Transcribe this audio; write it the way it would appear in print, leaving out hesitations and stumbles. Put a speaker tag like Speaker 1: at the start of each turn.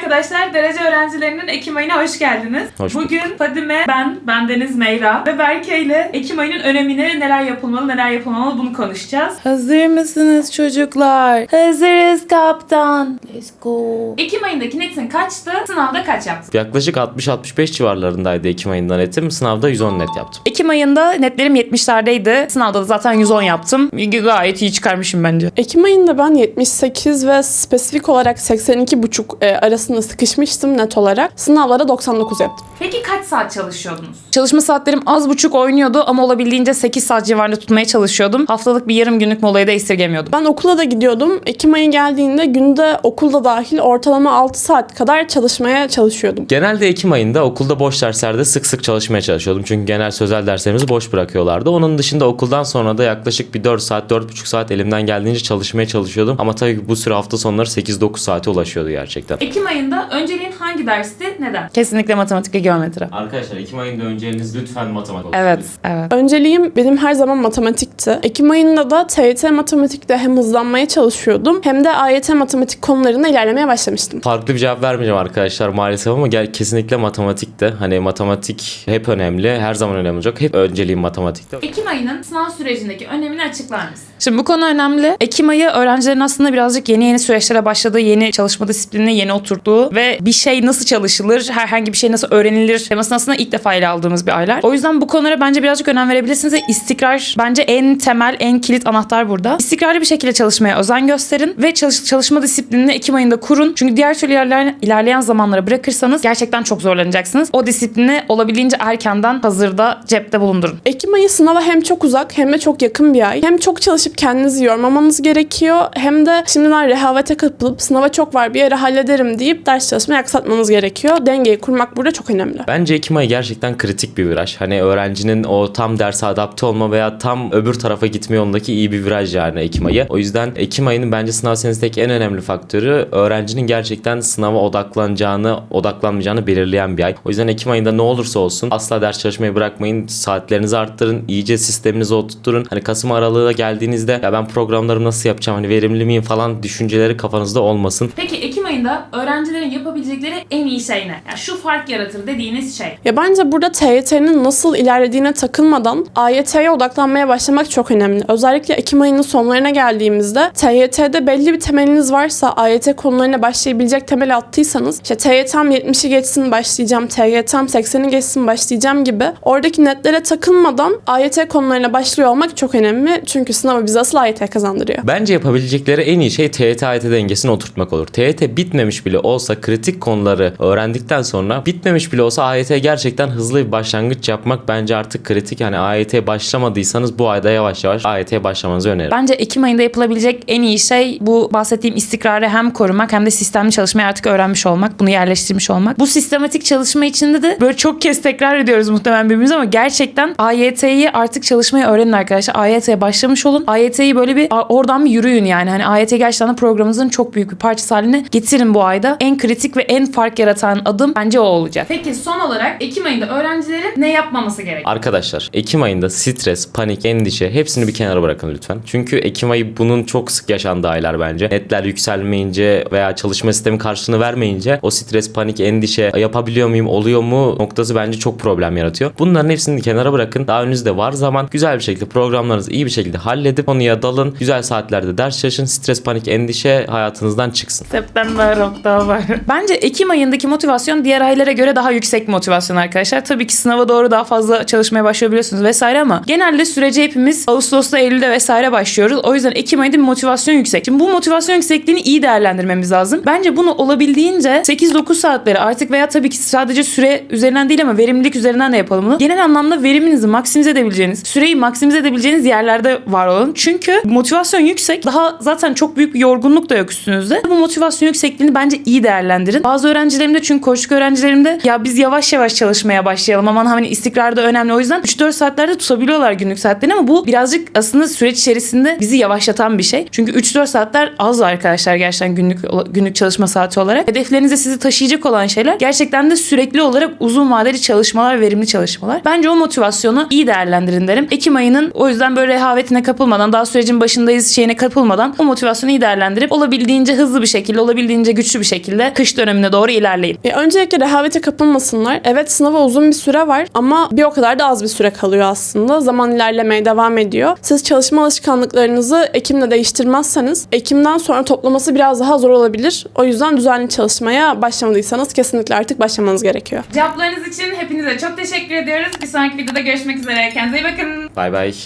Speaker 1: arkadaşlar, derece öğrencilerinin Ekim ayına hoş geldiniz. Bugün Fadime, ben Deniz Meyra ve Berke ile Ekim ayının önemini, neler yapılmalı, neler yapılmamalı bunu konuşacağız.
Speaker 2: Hazır mısınız çocuklar? Hazırız kaptan. Let's go.
Speaker 1: Ekim ayındaki netin kaçtı? Sınavda kaç yaptın?
Speaker 3: Yaklaşık 60-65 civarlarındaydı Ekim ayında netim. Sınavda 110 net yaptım.
Speaker 2: Ekim ayında netlerim 70'lerdeydi. Sınavda da zaten 110 yaptım. Gayet iyi çıkarmışım bence.
Speaker 4: Ekim ayında ben 78 ve spesifik olarak 82,5 arasında sıkışmıştım net olarak. Sınavlara 99 yaptım.
Speaker 1: Peki kaç saat çalışıyordunuz?
Speaker 2: Çalışma saatlerim az buçuk oynuyordu ama olabildiğince 8 saat civarında tutmaya çalışıyordum. Haftalık bir yarım günlük molayı da esirgemiyordum.
Speaker 4: Ben okula da gidiyordum. Ekim ayı geldiğinde günde okulda dahil ortalama 6 saat kadar çalışmaya çalışıyordum.
Speaker 3: Genelde Ekim ayında okulda boş derslerde sık sık çalışmaya çalışıyordum. Çünkü genel sözel derslerimizi boş bırakıyorlardı. Onun dışında okuldan sonra da yaklaşık bir 4 saat, 4,5 saat elimden geldiğince çalışmaya çalışıyordum. Ama tabii ki bu süre hafta sonları 8-9 saate ulaşıyordu gerçekten.
Speaker 1: Ekim ayında önceliğin hangi dersti? Neden?
Speaker 2: Kesinlikle matematik ve geometri.
Speaker 3: Arkadaşlar Ekim ayında önceliğiniz lütfen matematik olsun.
Speaker 2: Evet.
Speaker 4: Önceliğim benim her zaman matematikti. Ekim ayında da TYT matematikte hem hızlanmaya çalışıyordum hem de AYT matematik konularında ilerlemeye başlamıştım.
Speaker 3: Farklı bir cevap vermeyeceğim arkadaşlar maalesef ama kesinlikle matematikte. Hani matematik hep önemli, her zaman önemli olacak. Hep önceliğim matematikte.
Speaker 1: Ekim ayının sınav sürecindeki önemini açıklar mısın?
Speaker 2: Şimdi bu konu önemli. Ekim ayı öğrencilerin aslında birazcık yeni süreçlere başladığı, yeni çalışma disiplinine yeni oturttuğu ve bir şey nasıl çalışılır, herhangi bir şey nasıl öğrenilir temasını aslında ilk defa ele aldığımız bir aylar. O yüzden bu konulara bence birazcık önem verebilirsiniz ve istikrar bence en temel, en kilit anahtar burada. İstikrarlı bir şekilde çalışmaya özen gösterin ve çalışma disiplinini Ekim ayında kurun. Çünkü diğer türlü ilerleyen zamanlara bırakırsanız gerçekten çok zorlanacaksınız. O disiplini olabildiğince erkenden hazırda, cepte bulundurun.
Speaker 4: Ekim ayı sınava hem çok uzak hem de çok yakın bir ay. Hem çok çalışıp kendinizi yormamanız gerekiyor hem de şimdiden rehavete kapılıp sınava çok var bir yere hallederim deyip ders çalışmayı aksatmanız gerekiyor. Dengeyi kurmak burada çok önemli.
Speaker 3: Bence Ekim ayı gerçekten kritik bir viraj. Hani öğrencinin o tam derse adapte olma veya tam öbür tarafa gitme yolundaki iyi bir viraj yani Ekim ayı. O yüzden Ekim ayının bence sınav senesindeki en önemli faktörü öğrencinin gerçekten sınava odaklanmayacağını belirleyen bir ay. O yüzden Ekim ayında ne olursa olsun asla ders çalışmayı bırakmayın. Saatlerinizi arttırın. İyice sisteminizi oturtturun. Hani Kasım aralığı geldiğinizde ya ben programlarımı nasıl yapacağım, hani verimli miyim falan düşünceleri kafanızda olmasın.
Speaker 1: Peki Ekim ayında öğrencilerin yapabilecekleri en iyi şey ne? Yani şu fark yaratır dediğiniz şey.
Speaker 4: Ya bence burada TYT'nin nasıl ilerlediğine takılmadan AYT'ye odaklanmaya başlamak çok önemli. Özellikle Ekim ayının sonlarına geldiğimizde TYT'de belli bir temeliniz varsa, AYT konularına başlayabilecek temel attıysanız, işte TYT'm 70'i geçsin başlayacağım, TYT'm 80'i geçsin başlayacağım gibi oradaki netlere takılmadan AYT konularına başlıyor olmak çok önemli. Çünkü sınavı bize asıl AYT kazandırıyor.
Speaker 3: Bence yapabilecekleri en iyi şey TYT-AYT dengesini oturtmak olur. TYT bitmemiş bile olsa kritik konuları öğrendikten sonra bitmemiş bile olsa AYT gerçekten hızlı bir başlangıç yapmak bence artık kritik. Hani AYT başlamadıysanız bu ayda yavaş yavaş AYT'ye başlamanızı öneririm.
Speaker 2: Bence Ekim ayında yapılabilecek en iyi şey bu bahsettiğim istikrarı hem korumak hem de sistemli çalışmayı artık öğrenmiş olmak, bunu yerleştirmiş olmak. Bu sistematik çalışma içinde de böyle çok kez tekrar ediyoruz muhtemelen birbirimize ama gerçekten AYT'yi artık çalışmayı öğrenin arkadaşlar. AYT'ye başlamış olun. AYT'yi böyle bir oradan bir yürüyün yani. Hani AYT gerçekten programınızın çok büyük bir parçası haline getirin bu ayda. En kritik ve en fark yaratan adım bence o olacak.
Speaker 1: Peki son olarak Ekim ayında öğrencilerin ne yapmaması gerekiyor?
Speaker 3: Arkadaşlar Ekim ayında stres, panik, endişe hepsini bir kenara bırakın lütfen. Çünkü Ekim ayı bunun çok sık yaşandığı aylar bence. Netler yükselmeyince veya çalışma sistemi karşılığını vermeyince o stres, panik, endişe yapabiliyor muyum, oluyor mu noktası bence çok problem yaratıyor. Bunların hepsini kenara bırakın. Daha önünüzde var zaman. Güzel bir şekilde programlarınızı iyi bir şekilde halledip konuya dalın. Güzel saatlerde ders çalışın. Stres, panik, endişe hayatınızdan çıksın.
Speaker 2: September, Oktober. Bence Ekim ayındaki motivasyon diğer aylara göre daha yüksek motivasyon arkadaşlar. Tabii ki sınava doğru daha fazla çalışmaya başlayabiliyorsunuz vesaire ama genelde sürece hepimiz Ağustos'ta, Eylül'de vesaire başlıyoruz. O yüzden Ekim ayında bir motivasyon yüksek. Şimdi bu motivasyon yüksekliğini iyi değerlendirmemiz lazım. Bence bunu olabildiğince 8-9 saatleri artık veya tabii ki sadece süre üzerinden değil ama verimlilik üzerinden de yapalım bunu. Genel anlamda veriminizi maksimize edebileceğiniz, süreyi maksimize edebileceğiniz yerlerde var olun. Çünkü motivasyon yüksek. Daha zaten çok büyük bir yorgunluk da yok üstünüzde. Bu motivasyon yüksekliğini bence iyi değerlendirin. Bazı öğrencilerimde çünkü koçluk öğrencilerimde ya biz yavaş yavaş çalışmaya başlayalım. Aman hani istikrar da önemli. O yüzden 3-4 saatlerde tutabiliyorlar günlük saatlerini ama bu birazcık aslında süreç içerisinde bizi yavaşlatan bir şey. Çünkü 3-4 saatler az arkadaşlar gerçekten günlük çalışma saati olarak. Hedeflerinize sizi taşıyacak olan şeyler gerçekten de sürekli olarak uzun vadeli çalışmalar, verimli çalışmalar. Bence o motivasyonu iyi değerlendirin derim. Ekim ayının o yüzden böyle rehavetine kapılmadan, daha sürecin başındayız şeyine kapılmadan o motivasyonu iyi değerlendirip olabildiğince hızlı bir şekilde, olabildiğince güçlü bir şekilde kış dönemine doğru ilerleyin.
Speaker 4: Öncelikle rehavete kapılmasınlar. Evet, sınava uzun bir süre var ama bir o kadar da az bir süre kalıyor aslında. Zaman ilerlemeye devam ediyor. Siz çalışma alışkanlıklarınızı Ekim'de değiştirmezseniz Ekim'den sonra toplaması biraz daha zor olabilir. O yüzden düzenli çalışmaya başlamadıysanız kesinlikle artık başlamanız gerekiyor.
Speaker 1: Cevaplarınız için hepinize çok teşekkür ediyoruz. Bir sonraki videoda görüşmek üzere. Kendinize iyi bakın.
Speaker 3: Bay bay.